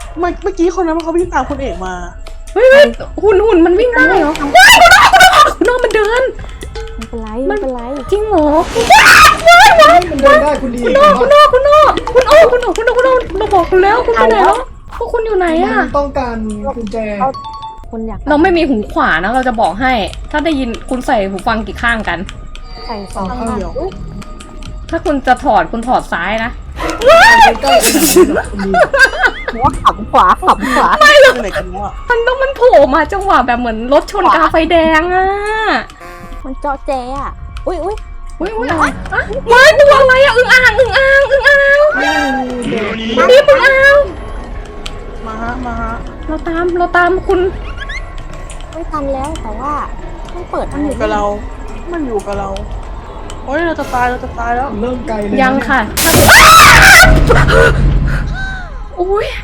เมื่อกี้คนนั้นเขาวิ่งตามคุณเอกมาเฮ้ยหุ่นมันวิ่งได้เหรอว้ายคุณน้องมันเดินไม่เป็นไรจริงเหรอมันเดินได้คุณดีคุณโอเราบอกคุณแล้วคุณไปไหนแล้วพวกคุณอยู่ไหนอะมันต้องการกุญแจคุณอยากเราไม่มีหูขวานะเราจะบอกให้ ถ้าได้ยินคุณใส่หูฟังกี่ข้างกันใส่สองข้างอุ๊ยถ้าคุณจะถอดคุณถอดซ้ายนะใกล้ๆคุณดีหัวขับขวาที่ไหนกันวะมันโผล่มาจังหวะแบบเหมือนรถชนกาไฟแดงอะมันเจาะแจอ่ะอุ้ยอุ้ยอะไรว้ายตัวอะไรอะอึ่งอ่างนี่อึ่งอ่างมาฮะเราตามคุณไม่ทันแล้วแต่ว่าต้องเปิดมันอยู่กับเราโอ้ยเราจะตายแล้วเริ่มไกลเลยยังค่ะอุ้ย